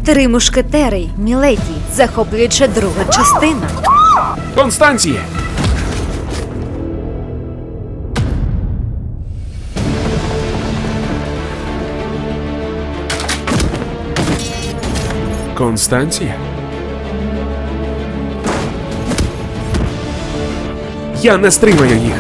Три мушкетери, міледі, захоплююча друга частина. Констанціє! Констанція? Я не стримаю їх.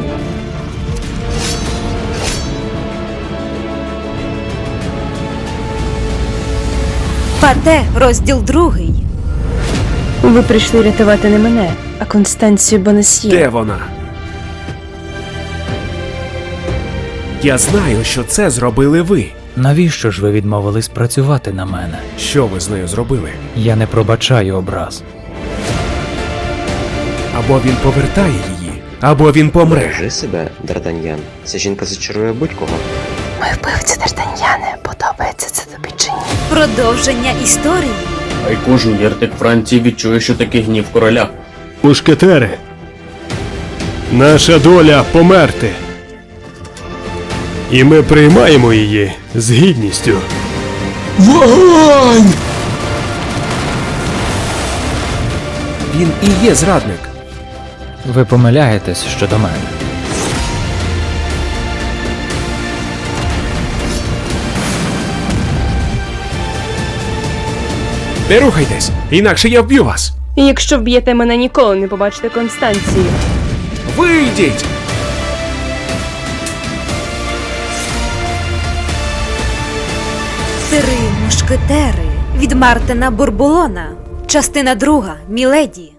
Пате, розділ 2. Ви прийшли рятувати не мене, а Констанцію Бонасьє. Де вона? Я знаю, що це зробили ви. Навіщо ж ви відмовились працювати на мене? Що ви з нею зробили? Я не пробачаю образ. Або він повертає її, або він помре. Бережи себе, Д'Артаньян. Ця жінка зачарує будь-кого. Ми вбивці Д'Артаньяне. Подобається це тобі чи ні? Продовження історії. Хай кожен єртик Франції відчує, що таке гнів короля. Мушкетери, наша доля померти. І ми приймаємо її з гідністю. Вогонь! Він і є зрадник. Ви помиляєтесь щодо мене. Не рухайтесь, інакше я вб'ю вас. І якщо вб'єте мене, ніколи не побачите Констанцію. Вийдіть! Три мушкетери від Мартина Бурбулона. Частина 2. Міледі.